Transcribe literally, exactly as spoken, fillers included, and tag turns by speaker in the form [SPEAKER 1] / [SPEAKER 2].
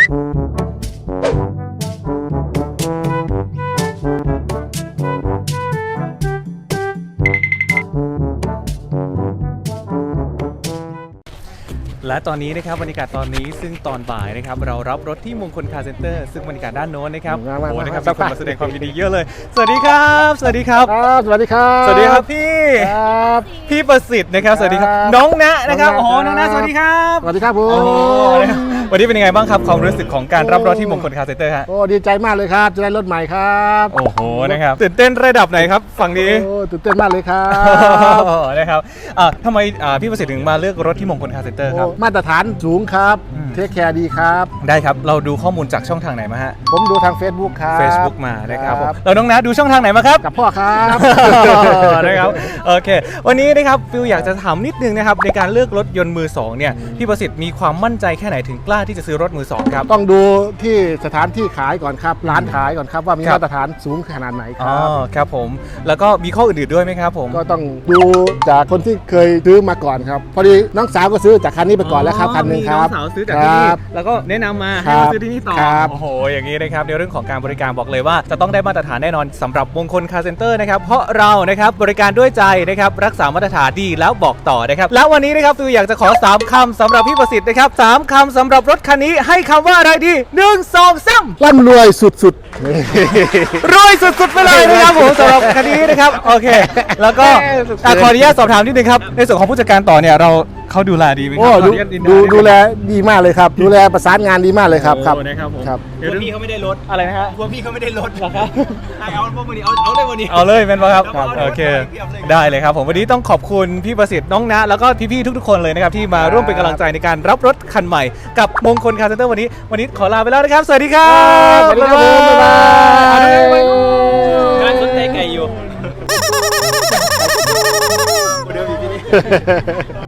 [SPEAKER 1] และตอนนี้นะครับบรรยากาศตอนนี้ซึ่งตอนบ่ายนะครับเรารับรถที่มงคลคาร์เซ็นเตอร์ซึ่งบรรยากาศด้านโน้นนะครับโอ้โหนะครับมีคนมาแสดงความยินดีเยอะเลยสวัสดีครับสวัสดีครับ
[SPEAKER 2] ครับสวัสดีครับ
[SPEAKER 1] สวัสดีครับพี่
[SPEAKER 2] ครับ
[SPEAKER 1] พี่ประสิทธิ์นะครับสวัสดีครับน้องณนะครับโอ้โหน้องณสวัสดีครับ
[SPEAKER 2] สวัสดีครับผม
[SPEAKER 1] วันนี้เป็นยังไงบ้างครับความรู้สึกของการรับรถที่มงคลคาร์เซ็นเตอร์ฮะ
[SPEAKER 2] โอ้ดีใจมากเลยครับจะได้รถใหม่ครับ
[SPEAKER 1] โอ้โหนะครับตื่นเต้นระดับไหนครับฝั่งนี้
[SPEAKER 2] โอ้ตื่นเต้นมากเลยครับ
[SPEAKER 1] นะครับทำไมพี่ประสิทธิ์ถึงมาเลือกรถที่มงคลคาร์เซ็นเตอร์ครับ
[SPEAKER 2] มาตรฐานสูงครับเทคแคร์ดีครับ
[SPEAKER 1] ได้ครับเราดูข้อมูลจากช่องทางไหนมาฮะ
[SPEAKER 2] ผมดูทาง Facebook ครับ
[SPEAKER 1] Facebook มานะครับเราน้องนะดูช่องทางไหนมาครับ
[SPEAKER 2] กับพ่อครับ
[SPEAKER 1] นะครับโอเควันนี้นะครับฟิลอยากจะถามนิดนึงนะครับในการเลือกรถยนต์มือสองเนี่ยพี่ประสิทธิ์มีความมั่นใจแค่ไหนถึงกล้าที่จะซื้อรถมือสองครับ
[SPEAKER 2] ต้องดูที่สถานที่ขายก่อนครับร้านขายก่อนครับว่ามีมาตรฐานสูงขนาดไหนครับ
[SPEAKER 1] อ๋อครับผมแล้วก็มีข้ออื่นๆด้วยไหมครับผม
[SPEAKER 2] ก็ต้องดูจากคนที่เคยซื้อมาก่อนครับพอดีน้องสาวก็ซื้อจากคันนี้ไปก่อนแล้วครับคันนึงครับ
[SPEAKER 1] น้องสาวซื้อจากที่นี่แล้วก็แนะนำมาให้มาซื้อที่นี่ต่อโอ้โหอย่างนี้นะครับในเรื่องของการบริการบอกเลยว่าจะต้องได้มาตรฐานแน่นอนสำหรับมงคลคาร์เซ็นเตอร์นะครับเพราะเรานะครับบริการด้วยใจนะครับรักษามาตรฐานดีแล้วบอกต่อนะครับแล้ววันนี้นะครับฟิวอยากจะขอสามคำสำหรับพี่ประสิทธิ์นะครับสามคำสำหรับรถคันนี้ให้คำว่าอะไรดีหนึ่งสองสาม
[SPEAKER 2] ร่ำรวยสุด
[SPEAKER 1] ๆรวยสุดๆไปเลยนะครับผมสำหรับคันนี้นะครับโอเคแล้วก็ขออนุญาตสอบถามนิดนึงครับในส่วนของผู้จัดการต่อเนี่ยเราเขาดูแลดีไหมครับ
[SPEAKER 2] ดูดูแลดีมากเลยครับดูแลประสานงานดีมากเลยครับครับ
[SPEAKER 1] นะครับผม
[SPEAKER 2] ครับ
[SPEAKER 1] พวกพี่เขาไม่ได้ลดอะไรนะฮะพวกพี่เขาไม่ได้ลดหรอครับเอาพวกวันนี้เอา
[SPEAKER 2] เอา
[SPEAKER 1] เลยวันนี้เอาเลยเป็นป่ะครับโอเคได้เลยครับผมวันนี้ต้องขอบคุณพี่ประสิทธิ์น้องณแล้วก็พี่ๆทุกๆคนเลยนะครับที่มาร่วมเป็นกำลังใจในการรับรถคันใหม่กับมงคลคาร์เซ็นเตอร์วันนี้วันนี้ขอลาไปแล้วนะครับสวัสดีครับ
[SPEAKER 2] สวัสดีครับบ๊ายบาย
[SPEAKER 1] กำลังสนใจไก่อยู่เดี๋ยวพี่